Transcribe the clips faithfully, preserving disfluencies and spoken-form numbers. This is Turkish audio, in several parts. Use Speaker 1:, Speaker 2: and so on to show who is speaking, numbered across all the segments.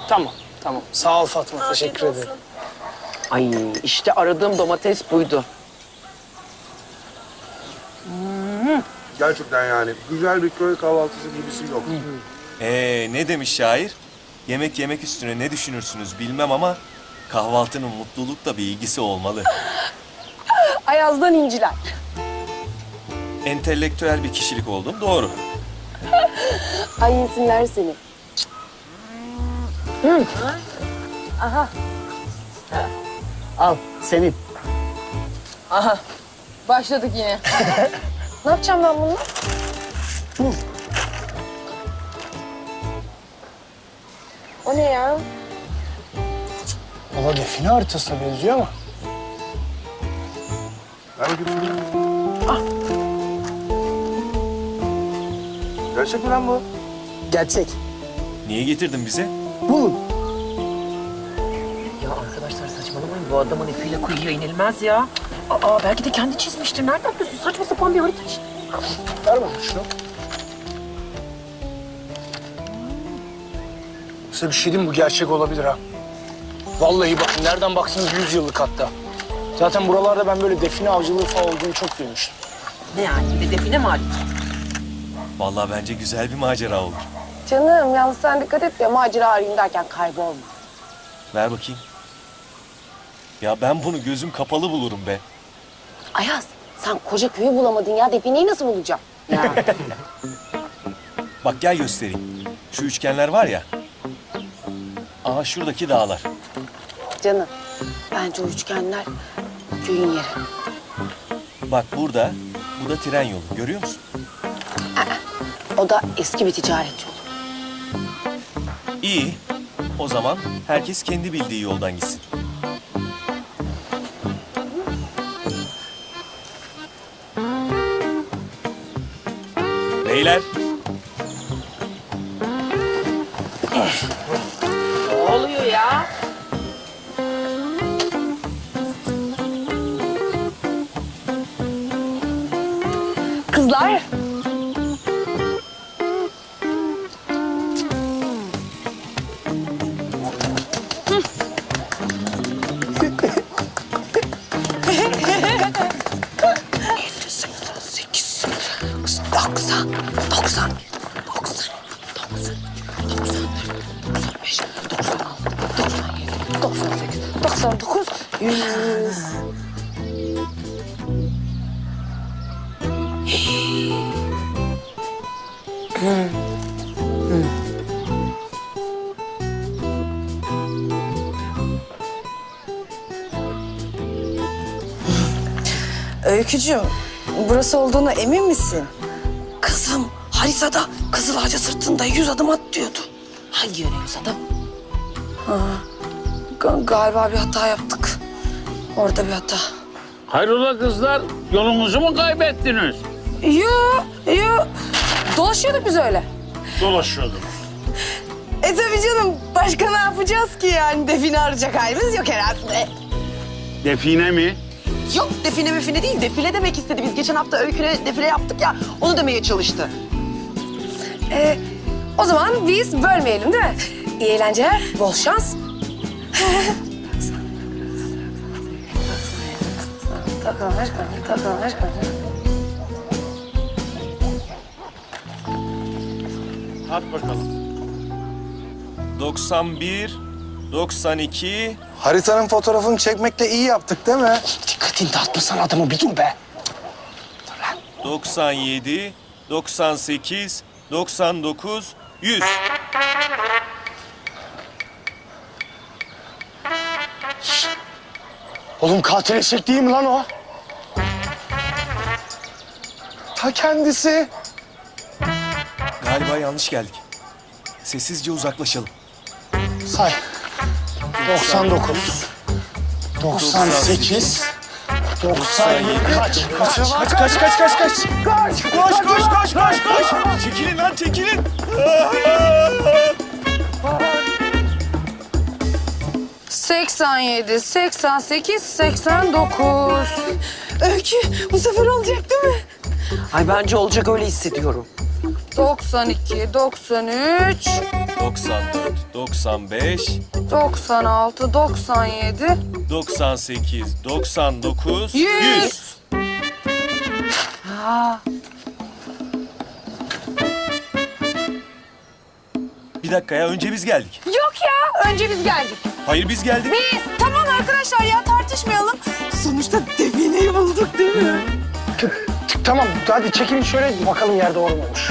Speaker 1: Tamam, tamam. Sağ ol Fatma, teşekkür ederim.
Speaker 2: Ay işte aradığım domates buydu.
Speaker 3: Gerçekten yani güzel bir köy kahvaltısı gibisi yok.
Speaker 4: Ee, ne demiş şair? Yemek yemek üstüne ne düşünürsünüz bilmem ama kahvaltının mutlulukla bir ilgisi olmalı.
Speaker 5: Ayaz'dan inciler.
Speaker 4: Entelektüel bir kişilik oldum, doğru.
Speaker 5: Ay yesinler seni. Hı. Aha.
Speaker 2: Al senin.
Speaker 5: Aha. Başladık yine. Ne yapacağım ben bununla? Hı. O ne ya?
Speaker 1: Valla define haritasına benziyor ama.
Speaker 3: Ver bakayım. Ah. Gerçek mi lan bu?
Speaker 1: Gerçek.
Speaker 4: Niye getirdin bize?
Speaker 1: Bulun.
Speaker 2: Ya arkadaşlar saçmalamayın. Bu adamın ipiyle kuyuya inilmez ya. Aa belki de kendi çizmiştir. Nereden biliyorsun? Saçma sapan bir harita işte.
Speaker 1: Ver bana şunu. Size bir şey diyeyim mi? Bu gerçek olabilir ha. Vallahi bakın nereden baksanız yüz yıllık hatta. Zaten buralarda ben böyle define avcılığı falan olduğunu çok duymuştum.
Speaker 2: Ne yani? Bir de define mi arayacağız?
Speaker 4: Vallahi bence güzel bir macera olur.
Speaker 5: Canım yalnız sen dikkat et ya macera arayayım derken kaybolma.
Speaker 4: Ver bakayım. Ya ben bunu gözüm kapalı bulurum be.
Speaker 5: Ayaz sen koca köyü bulamadın ya defineyi nasıl bulacaksın? Ya.
Speaker 4: Bak gel göstereyim. Şu üçgenler var ya. Aha şuradaki dağlar.
Speaker 5: Canım bence o üçgenler köyün yeri.
Speaker 4: Bak burada, bu da tren yolu. Görüyor musun?
Speaker 5: O da eski bir ticaret yolu.
Speaker 4: İyi. O zaman herkes kendi bildiği yoldan gitsin. Beyler.
Speaker 2: Ne oluyor ya?
Speaker 5: Kızlar.
Speaker 2: doksan, doksan, doksan, doksan, doksan dört, doksan beş, doksan altı, doksan yedi, doksan sekiz,
Speaker 5: doksan dokuz, yüz.
Speaker 6: Öykücüğüm, burası olduğuna emin misin? Kızım, haritada Kızıl Ağaca sırtında yüz adım at diyordu.
Speaker 2: Hangi yöne yüz adım?
Speaker 6: Ga- galiba bir hata yaptık. Orada bir hata.
Speaker 7: Hayrola kızlar, yolunuzu mu kaybettiniz?
Speaker 6: Yo, yo. Dolaşıyorduk biz öyle.
Speaker 7: Dolaşıyordum.
Speaker 6: E tabii canım, başka ne yapacağız ki yani? Define arayacak halimiz yok herhalde.
Speaker 7: Define mi?
Speaker 8: Yok define mefine değil, defile demek istedi. Biz geçen hafta öyküne defile yaptık ya, onu demeye çalıştı.
Speaker 6: E, o zaman biz bölmeyelim değil mi? İyi eğlenceler, bol şans.
Speaker 5: Takılır, takılır.
Speaker 7: Hadi bakalım.
Speaker 4: doksan bir, doksan iki.
Speaker 1: Haritanın fotoğrafını çekmekle iyi yaptık değil mi?
Speaker 2: Dikkatini dağıtmasana adamı bir dur be.
Speaker 4: doksan yedi, doksan sekiz, doksan dokuz, yüz.
Speaker 1: Oğlum katil eşek değil mi lan o? Ta kendisi.
Speaker 4: Galiba yanlış geldik. Sessizce uzaklaşalım.
Speaker 1: Say. doksan dokuz. doksan sekiz. doksan yedi. Kaç? Kaç? Kaç? Kaç? Kaç? Kaç? Kaç? Kaç? Koş! Koş! Koş! Koş! Koş!
Speaker 4: Çekilin lan çekilin.
Speaker 6: seksen yedi, seksen sekiz, seksen dokuz. Öykü, bu sefer olacak değil mi?
Speaker 2: Ay bence olacak öyle hissediyorum.
Speaker 6: doksan iki, doksan üç,
Speaker 4: doksan dört, doksan beş,
Speaker 6: doksan altı, doksan yedi.
Speaker 4: doksan sekiz, doksan dokuz,
Speaker 6: Yüz.
Speaker 4: yüz. Bir dakika ya, önce biz geldik.
Speaker 6: Yok ya, önce biz geldik.
Speaker 4: Hayır, biz geldik.
Speaker 6: Biz. Tamam arkadaşlar ya, tartışmayalım. Sonuçta defineyi bulduk değil mi?
Speaker 1: Tamam hadi çekilin şöyle bakalım yer doğru mu olmuş.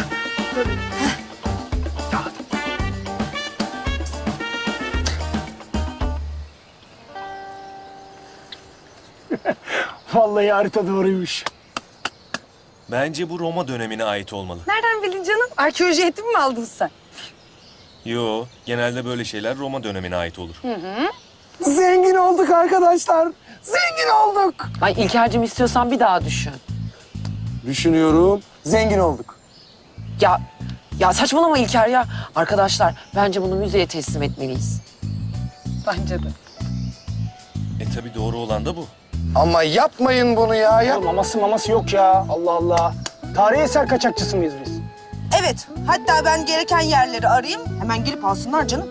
Speaker 1: Vallahi harita doğruymuş.
Speaker 4: Bence bu Roma dönemine ait olmalı.
Speaker 6: Nereden bildin canım? Arkeoloji eğitimi mi aldın sen?
Speaker 4: Yo, genelde böyle şeyler Roma dönemine ait olur.
Speaker 1: Zengin olduk arkadaşlar. Zengin olduk.
Speaker 8: Ay İlker'cim istiyorsan bir daha düşün.
Speaker 3: Düşünüyorum. Zengin olduk.
Speaker 8: Ya ya saçmalama İlker ya. Arkadaşlar bence bunu müzeye teslim etmeliyiz.
Speaker 6: Bence de.
Speaker 4: E tabii doğru olan da bu.
Speaker 3: Ama yapmayın bunu ya. Yap.
Speaker 1: Maması maması yok ya. Allah Allah. Tarihi eser kaçakçısı mıyız biz?
Speaker 6: Evet, hatta ben gereken yerleri arayayım. Hemen gelip alsınlar canım.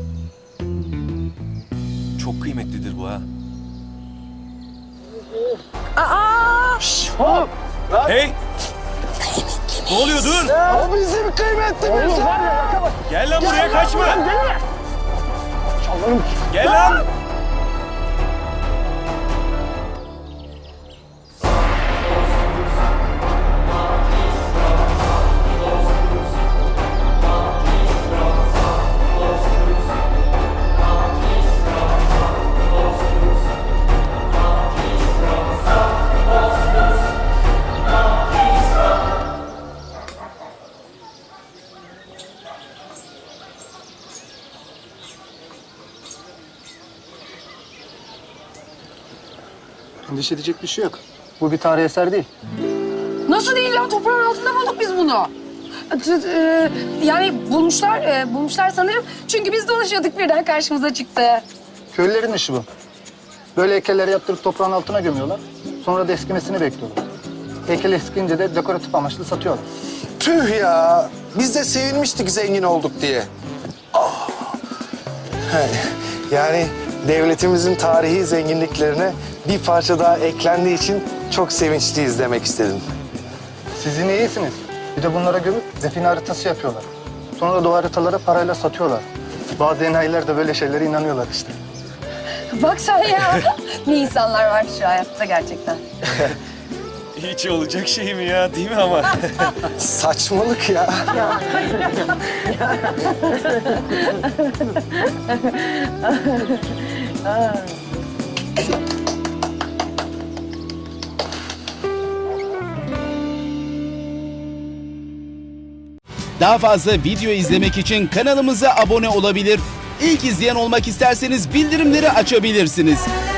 Speaker 4: Çok kıymetlidir bu ha.
Speaker 1: Hop.
Speaker 4: Hey! Ne oluyor, dur!
Speaker 1: O bizim kıymetlimiz. Oğlum var ya yakala.
Speaker 4: Gel lan buraya, kaçma!
Speaker 1: Çalarım.
Speaker 4: Gel lan!
Speaker 1: Endişe edecek bir şey yok. Bu bir tarihi eser değil.
Speaker 5: Nasıl değil ya? Toprağın altında bulduk biz bunu.
Speaker 6: Ee, yani bulmuşlar, e, bulmuşlar sanırım. Çünkü biz dolaşıyorduk birden karşımıza çıktı.
Speaker 9: Köylülerin işi bu. Böyle heykelleri yaptırıp toprağın altına gömüyorlar. Sonra da eskimesini bekliyorlar. Heykel eskiyince de dekoratif amaçlı satıyorlar.
Speaker 3: Tüh ya. Biz de sevinmiştik zengin olduk diye. Ah. Yani, yani devletimizin tarihi zenginliklerine bir parça daha eklendiği için çok sevinçliyiz demek istedim.
Speaker 9: Sizin iyisiniz. Bir de bunlara gömüp define haritası yapıyorlar. Sonra da o haritaları parayla satıyorlar. Bazı enayiler de böyle şeylere inanıyorlar işte.
Speaker 6: Bak sen ya. Ne insanlar var şu hayatta gerçekten.
Speaker 4: Hiç olacak şey mi ya, değil mi ama?
Speaker 3: Saçmalık ya.
Speaker 10: Daha fazla video izlemek için kanalımıza abone olabilir. İlk izleyen olmak isterseniz bildirimleri açabilirsiniz.